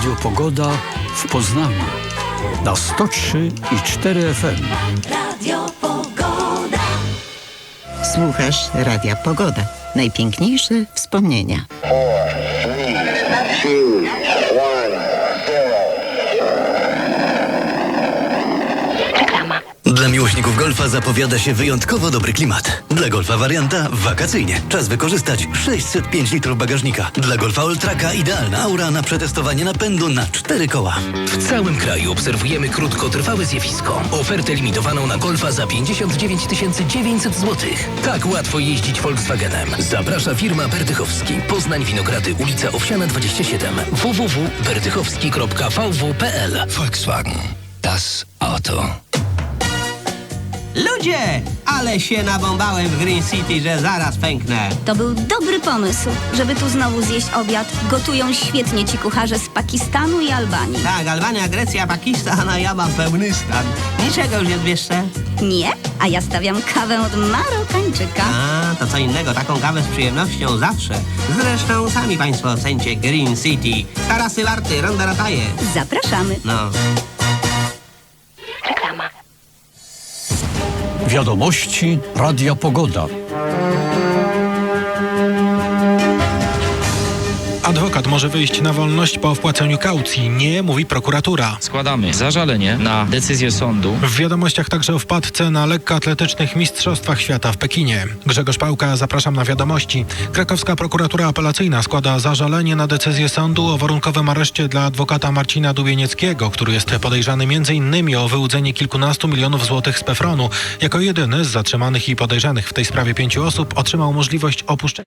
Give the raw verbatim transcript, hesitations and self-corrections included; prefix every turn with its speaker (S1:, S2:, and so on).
S1: Radio Pogoda w Poznaniu na sto trzy i cztery F M.
S2: Radio Pogoda.
S3: Słuchasz Radia Pogoda. Najpiękniejsze wspomnienia.
S4: Dla miłośników golfa zapowiada się wyjątkowo dobry klimat. Dla golfa warianta wakacyjnie. Czas wykorzystać sześćset pięć litrów bagażnika. Dla golfa Alltracka idealna aura na przetestowanie napędu na cztery koła.
S5: W całym kraju obserwujemy krótkotrwałe zjawisko. Ofertę limitowaną na golfa za pięćdziesiąt dziewięć tysięcy dziewięćset złotych. Tak łatwo jeździć Volkswagenem. Zaprasza firma Berdychowski. Poznań Winogrady, ulica Owsiana dwadzieścia siedem. w w w kropka berdychowski kropka v w kropka p l. Volkswagen. Das Auto.
S6: Ludzie, ale się nabąbałem w Green City, że zaraz pęknę.
S7: To był dobry pomysł, żeby tu znowu zjeść obiad. Gotują świetnie ci kucharze z Pakistanu i Albanii.
S6: Tak, Albania, Grecja, Pakistan, a ja mam pełny stan. Niczego już nie zbierzcie.
S7: Nie? A ja stawiam kawę od Marokańczyka.
S6: A, to co innego, taką kawę z przyjemnością zawsze. Zresztą sami państwo ocencie Green City. Tarasy Warty, Ronda Rataje.
S7: Zapraszamy.
S6: No.
S1: Wiadomości Radia Pogoda.
S8: Adwokat może wyjść na wolność po wpłaceniu kaucji. Nie, mówi prokuratura.
S9: Składamy zażalenie na decyzję sądu.
S8: W wiadomościach także o wpadce na lekkoatletycznych mistrzostwach świata w Pekinie. Grzegorz Pałka, zapraszam na wiadomości. Krakowska prokuratura apelacyjna składa zażalenie na decyzję sądu o warunkowym areszcie dla adwokata Marcina Dubienieckiego, który jest podejrzany między innymi o wyłudzenie kilkunastu milionów złotych z Pefronu. Jako jedyny z zatrzymanych i podejrzanych w tej sprawie pięciu osób otrzymał możliwość opuszczenia